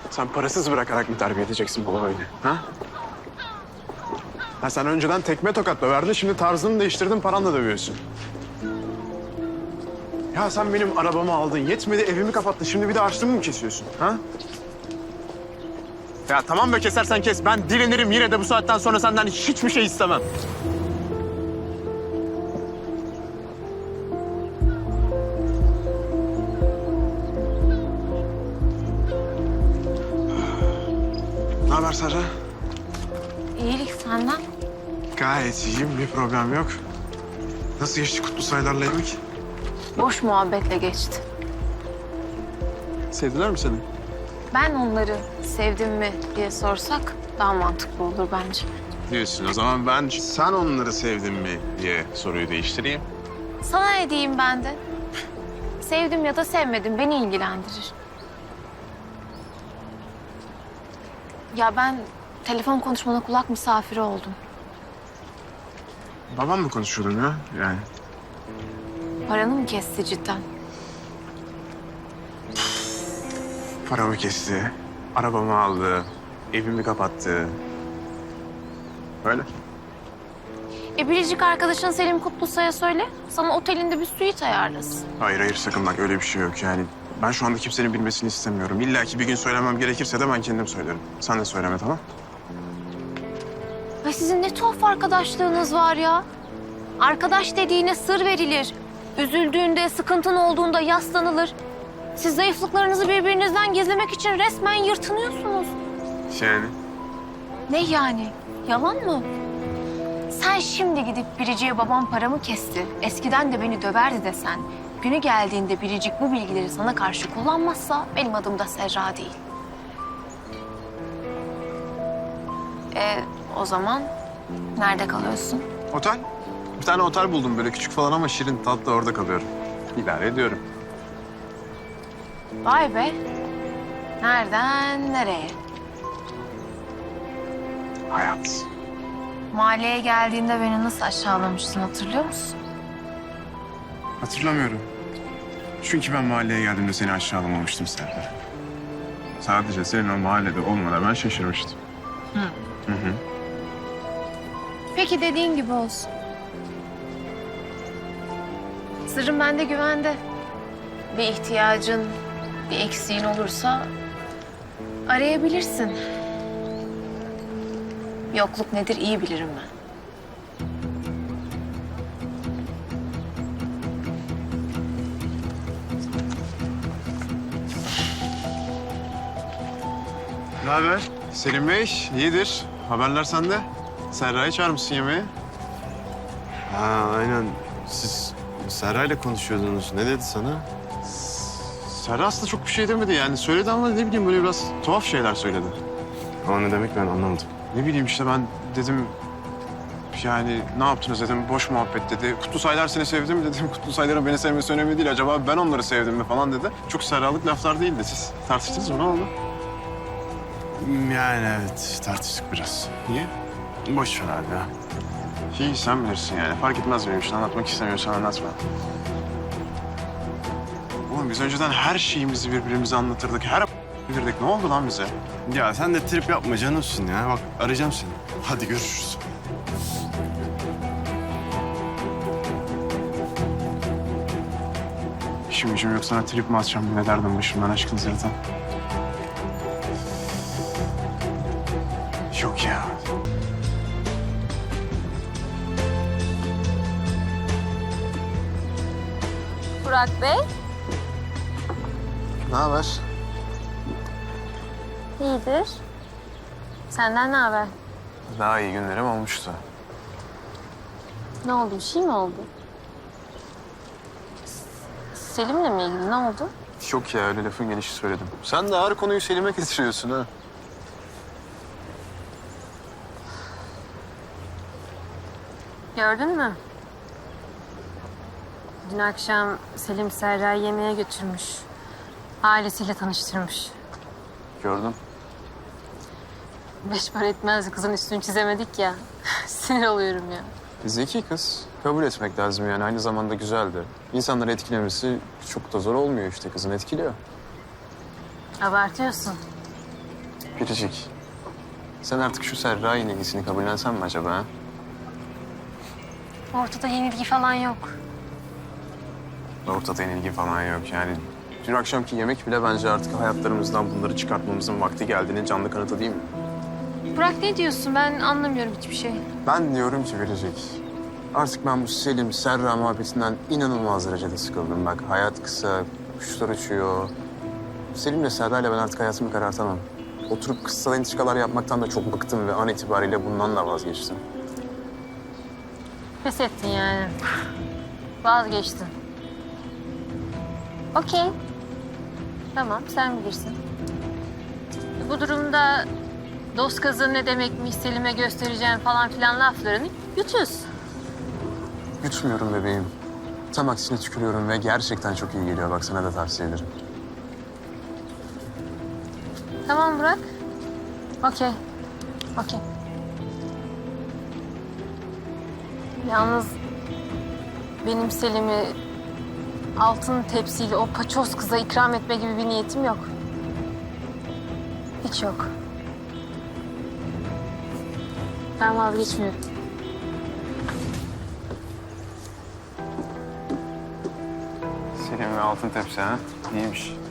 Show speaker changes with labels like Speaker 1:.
Speaker 1: Sen parasız bırakarak mı terbiye edeceksin baba öyle? Ha? Ha sen önceden tekme tokat döverdin, şimdi tarzını değiştirdin, paranla dövüyorsun. Ya sen benim arabamı aldın, yetmedi evimi kapattın, şimdi bir de harçlığımı mı kesiyorsun? Ha? Ya tamam be, kesersen kes. Ben direnirim, yine de bu saatten sonra senden hiçbir şey istemem. Ne haber Serra?
Speaker 2: İyilik senden.
Speaker 1: Gayet iyiyim, bir problem yok. Nasıl geçti kutlu sayılarla yemek?
Speaker 2: Boş muhabbetle geçti.
Speaker 1: Sevdiler mi seni?
Speaker 2: Ben onları sevdim mi diye sorsak daha mantıklı olur bence.
Speaker 1: Diyorsun. O zaman ben sen onları sevdin mi diye soruyu değiştireyim.
Speaker 2: Sana ne diyeyim ben de? Sevdim ya da sevmedim beni ilgilendirir. Ya ben telefon konuşmana kulak misafiri oldum.
Speaker 1: Babam mı konuşuyordun ya? Yani
Speaker 2: Paranı mı kesti cidden?
Speaker 1: paramı kesti, arabamı aldı, evimi kapattı. Öyle.
Speaker 2: Biricik arkadaşın Selim Kutlusay'a söyle. Sana otelinde bir suite ayarlasın.
Speaker 1: Hayır sakın bak, öyle bir şey yok yani. Ben şu anda kimsenin bilmesini istemiyorum. İlla ki bir gün söylemem gerekirse de ben kendim söylerim. Sen de söyleme, tamam?
Speaker 2: Ay sizin ne tuhaf arkadaşlığınız var ya. Arkadaş dediğine sır verilir. Üzüldüğünde, sıkıntın olduğunda yaslanılır. Siz zayıflıklarınızı birbirinizden gizlemek için resmen yırtınıyorsunuz.
Speaker 1: Yani?
Speaker 2: Ne yani? Yalan mı? Sen şimdi gidip Biricik'e babam paramı kesti, eskiden de beni döverdi desen, günü geldiğinde Biricik bu bilgileri sana karşı kullanmazsa benim adım da Serra değil. O zaman nerede kalıyorsun?
Speaker 1: Otel. Bir tane otel buldum böyle küçük falan ama şirin tatlı, orada kalıyorum. İdare ediyorum.
Speaker 2: Vay be. Nereden nereye?
Speaker 1: Hayat.
Speaker 2: Mahalleye geldiğinde beni nasıl aşağılamıştın hatırlıyor musun?
Speaker 1: Hatırlamıyorum. Çünkü ben mahalleye geldiğimde seni aşağılamamıştım Serdar. Sadece senin o mahallede olmana ben şaşırmıştım. Hı hı.
Speaker 2: Peki dediğin gibi olsun. Sırrım bende güvende. Bir ihtiyacın, bir eksiğin olursa arayabilirsin. Yokluk nedir iyi bilirim ben.
Speaker 1: Ne haber? Selim Bey, iyidir. Haberler sende. Serra'yı çağırmışsın yemeğe.
Speaker 3: Ha aynen. Siz Serra'yla konuşuyordunuz. Ne dedi sana?
Speaker 1: Serra aslında çok bir şey demedi yani. Söyledi ama ne bileyim böyle biraz tuhaf şeyler söyledi.
Speaker 3: O ne demek ben anlamadım.
Speaker 1: Ne bileyim işte ben dedim yani ne yaptınız dedim, boş muhabbet dedi. Kutlusaylar seni sevdi mi dedim. Kutlusayların beni sevmesi önemli değil. Acaba ben onları sevdim mi falan dedi. Çok Serralık laflar değildi. Siz tartıştınız mı, ne oldu?
Speaker 3: Yani evet tartıştık biraz.
Speaker 1: Niye?
Speaker 3: Boş ver abi ya.
Speaker 1: İyi sen bilirsin yani. Fark etmez benim için. Anlatmak istemiyorsan anlatma. Oğlum biz önceden her şeyimizi birbirimize anlatırdık. Her bilirdik. Ne oldu lan bize?
Speaker 3: Ya sen de trip yapma canımsın ya. Bak arayacağım seni. Hadi görüşürüz.
Speaker 1: İşim gücüm yok, sana trip mi atacağım? Ne derdim başımdan aşkın zaten. Yok ya.
Speaker 2: Burak Bey.
Speaker 1: Ne haber?
Speaker 2: İyidir. Senden ne haber?
Speaker 1: Daha iyi günlerim olmuştu.
Speaker 2: Ne oldu? Bir şey mi oldu? Selim'le mi ilgili? Ne oldu?
Speaker 1: Yok ya, öyle lafın gelişi söyledim. Sen de her konuyu Selim'e getiriyorsun ha.
Speaker 4: Gördün mü? Dün akşam Selim Serra'yı yemeğe götürmüş. Ailesiyle tanıştırmış.
Speaker 1: Gördüm.
Speaker 4: Beş para etmez kızın üstünü çizemedik ya. Sinir oluyorum ya.
Speaker 1: Zeki kız. Kabul etmek lazım yani. Aynı zamanda güzeldi. İnsanları etkilemesi çok da zor olmuyor işte. Kızın etkiliyor.
Speaker 4: Abartıyorsun.
Speaker 1: Biricik, sen artık şu Serra yenilgisini kabullensen mi acaba? Ha?
Speaker 4: Ortada yenilgi falan yok.
Speaker 1: Ortada yenilgi falan yok yani. Dün akşamki yemek bile bence artık hayatlarımızdan bunları çıkartmamızın vakti geldiğinin canlı kanıtı değil mi?
Speaker 4: Burak ne diyorsun? Ben anlamıyorum hiçbir şey.
Speaker 1: Ben diyorum ki Biricik, artık ben bu Selim, Serra muhabbetinden inanılmaz derecede sıkıldım. Bak hayat kısa, kuşlar uçuyor. Selim'le Serra'yla ben artık hayatımı karartamam. Oturup kıssal entrikalar yapmaktan da çok bıktım ve an itibariyle bundan da vazgeçtim.
Speaker 4: Pes ettin yani. Vazgeçtin. Okey. Tamam, sen bilirsin. Bu durumda dost kazığı ne demekmiş, Selim'e göstereceğim falan filan laflarını yutuyorsun.
Speaker 1: Yutmuyorum bebeğim. Tam aksine tükürüyorum ve gerçekten çok iyi geliyor. Bak sana da tavsiye ederim.
Speaker 4: Tamam Burak. Okey. Okey. Yalnız benim Selim'i altın tepsiyle o paçoz kıza ikram etme gibi bir niyetim yok. Hiç yok. Ben vazgeçmiyorum.
Speaker 1: Selim ve altın tepsi ha? İyiymiş.